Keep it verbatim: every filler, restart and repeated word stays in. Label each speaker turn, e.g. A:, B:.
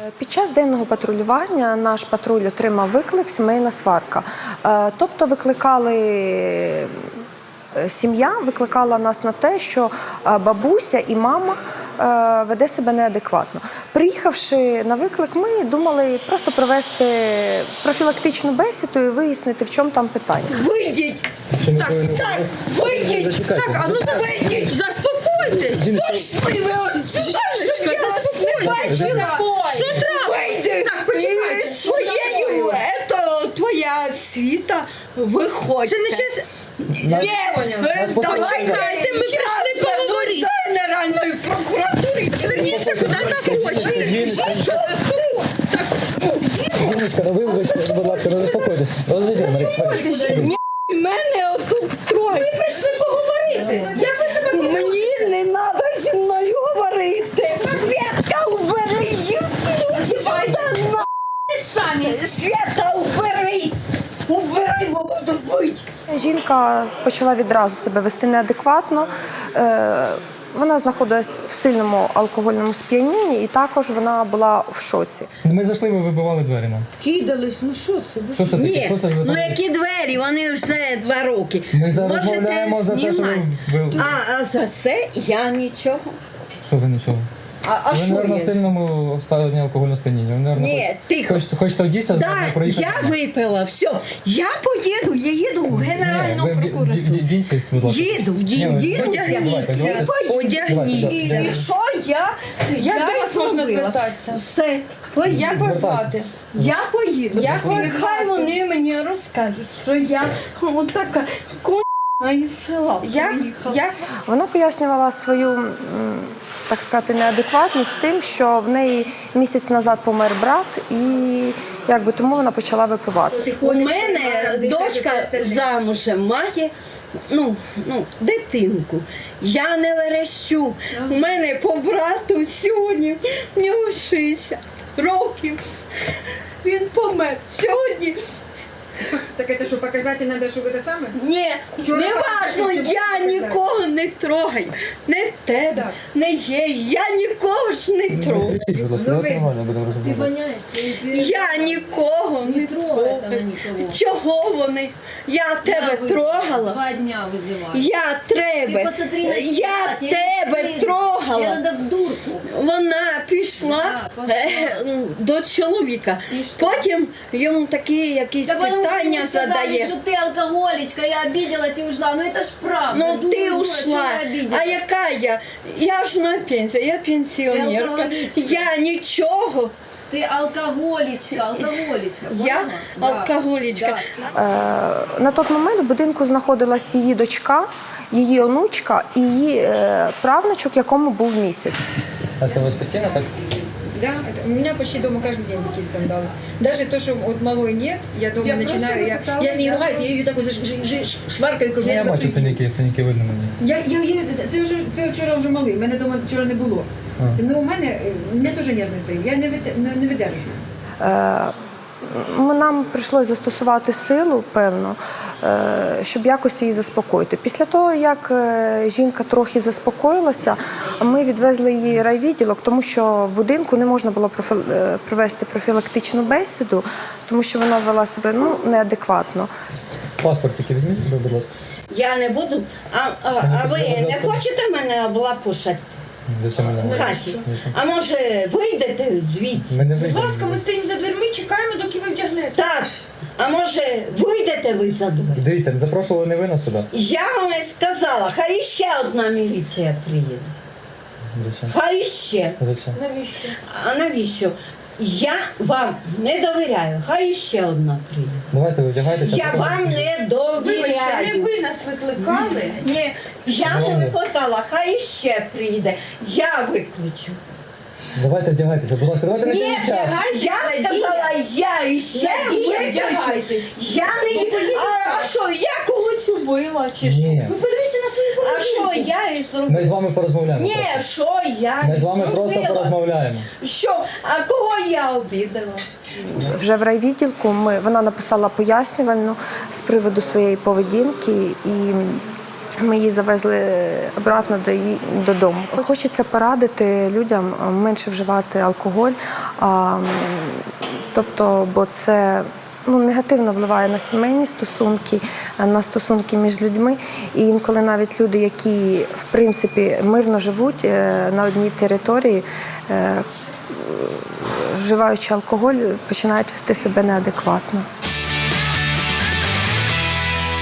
A: Під час денного патрулювання наш патруль отримав виклик «Сімейна сварка». Тобто викликали, сім'я викликала нас на те, що бабуся і мама веде себе неадекватно. Приїхавши на виклик, ми думали просто провести профілактичну бесіду і вияснити, в чому там питання.
B: Вийдіть! Так, так, вийдіть! Так, а ну вийдіть! Заспокойтесь! Пошли ви отсюда! Я вас не бачила! Що треба? Вийди! Так, почекайте! Своєю, це твоя світа, виходьте! Це не щось... Ні, давайте, ми прийшли поговорити! До Генеральної прокуратури! Зверніться, куди захочете!
C: Жіночка, ну вибачте, будь ласка, ну заспокойтесь.
B: Ні, мене отут троє. Ви прийшли поговорити. Як ви себе Мені не треба зі мною говорити. Свята, убери їх. Свята, самі. Свята, убери. Убери, бо буду бити.
A: Жінка почала відразу себе вести неадекватно. Вона знаходилась в сильному алкогольному сп'янінні і також вона була в шоці.
C: Ми зайшли, ви вибивали двері нам.
B: Кидались, ну що це? Ви
C: Що це таке?
B: Ні,
C: Що це за
B: ну які двері, вони вже два роки.
C: Ми розмовляємо за те, що ви... ви...
B: А, а за це я нічого.
C: Що ви нічого?
B: А, а
C: ви,
B: що
C: мабуть,
B: є?
C: в сильному стані алкогольного сп'яніння. Ви, мабуть,
B: Ні, тихо.
C: Хочете, хочете вдітися,
B: Да,
C: проїхати?
B: я випила, все. Я поїду, я їду в Генеральну
C: Ні, ви
B: прокуратуру.
C: вдіньтесь, будь ласка.
B: Їду,
C: Ні,
B: ді-
C: ви-
B: діду,
C: давайте,
B: одягніться.
C: давайте.
B: Одягніться.
C: Давайте,
B: І що я?
D: Як
B: я
D: до вас можна
B: зробила.
D: звертатися?
B: Все, поїду.
D: Як вас звати?
B: Я поїду.
D: Як вас
B: І хай
D: звати?
B: вони мені розкажуть, що я отака к***на із села
D: Як?
B: приїхала.
D: Як?
A: Вона пояснювала свою, м, так сказати, неадекватність тим, що в неї місяць назад помер брат, і якби тому вона почала випивати.
B: У мене дочка замужем має ну, ну, дитинку. Я не верещу. У мене по брату сьогодні в нього шістдесят років. Він помер сьогодні.
D: Так это что, показатель надо, чтобы это самое?
B: Ні,
D: Вчора
B: не важно,
D: показати,
B: я
D: показати.
B: нікого не трогаю. Не тебе,
D: Так.
B: не є, я нікого ж не трогаю.
C: Будь ласка,
D: Ну,
C: давайте
D: ви-
C: нормально будемо
E: Ты
C: розмовляти.
E: воняешься и перед...
B: Я нікого не
E: Не трогает она
B: трогаю.
E: никого.
B: Чого вони? Я тебе
E: Я
B: трогала.
E: Два дня вызываю.
B: Я
E: Ты
B: тебе,
E: посмотри на себя,
B: я
E: тебе
B: тебе
E: стыдно.
B: трогала.
E: Тебе надо в дурку.
B: Вона пішла
E: Да, пішла.
B: е, до чоловіка.
E: І що?
B: Потім йому такі якісь
E: Да потому что
B: питання
E: ему сказали,
B: задає.
E: что ты алкоголичка, я обиделась и ушла. Ну это ж правда.
B: Ну
E: Дура,
B: ти
E: дура,
B: ушла.
E: чего я обиделась?
B: А яка я? Я ж на пенсії, я
E: Ти
B: пенсіонерка.
E: алкоголічка.
B: Я нічого.
E: Ты алкоголичка, алкоголичка.
B: Я
E: поняла? Да.
B: алкоголічка.
E: Да.
A: Е, На той момент в будинку знаходилась її дочка, її онучка і її е, правнучок, якому був місяць.
C: А це у вас постійно так?
D: Да, это, у меня почти дома каждый день такие скандалы. Даже то, что вот малой нет, я дома Я начинаю, я, просто я с ней пыталась, ругаюсь, да. я ее так вот заш- ж- ж- шваркаю, кажу,
C: Ну, я
D: тебе
C: бачу
D: приб'ю.
C: синяки, синяки видно мені.
D: Я, я, я, це, вже, це вчора вже малий, мене вдома вчора не було.
C: А.
D: Ну, у мене, е, мене теж нервний зрив, я не, вит- не, не видержую.
A: Е, Ми- Нам прийшлося застосувати силу, певно, е, щоб якось її заспокоїти. Після того, як е, жінка трохи заспокоїлася, ми відвезли її в райвідділок, тому що в будинку не можна було профі- е, провести профілактичну бесіду, тому що вона вела себе ну, неадекватно.
C: Паспорт тільки візьміть себе, будь ласка.
B: Я не буду. А, а, а ви не хочете мене облапушати
C: Зачем мене?
B: в хаті? А може вийдете звідси?
C: Ми не
D: Будь
C: вийдемо.
D: ласка, ми стоїмо за дверми, чекаємо, доки ви вдягнете.
B: Так. А може вийдете ви за двері?
C: Дивіться, запрошували не ви нас сюди.
B: Я вам і сказала, хай ще одна міліція приїде.
C: Зачем?
B: Хай ще.
C: Зачем?
D: Навіщо?
B: А навіщо? Я вам не довіряю, хай ще одна приїде.
C: Давайте ви вдягайтеся.
B: Я
C: потім-
B: вам не
D: Вибачте, не
B: довіряю.
D: ви нас викликали.
B: Ні, я не викликала, хай ще приїде. Я викличу.
C: Давайте вдягайтеся, будь ласка, давайте не
B: Ні,
C: тягніть час.
B: я сказала, я іще
D: Надія,
B: викличу.
D: вдягайтесь.
B: Я не а, а що, я когось убила чи що?
C: Ні,
D: Ви подивіться на свою
B: А що я і
C: ми
B: зробила?
C: з вами порозмовляємо.
B: Ні,
C: просто.
B: що я
C: Ми з вами просто
B: зробила?
C: порозмовляємо.
B: Що? А кого я обідала?
A: Вже в райвідділку ми, вона написала пояснювальну з приводу своєї поведінки і Ми її завезли обратно до її, додому. Хочеться порадити людям менше вживати алкоголь, а, тобто, бо це ну, негативно впливає на сімейні стосунки, на стосунки між людьми. І інколи навіть люди, які в принципі мирно живуть на одній території, вживаючи алкоголь, починають вести себе неадекватно.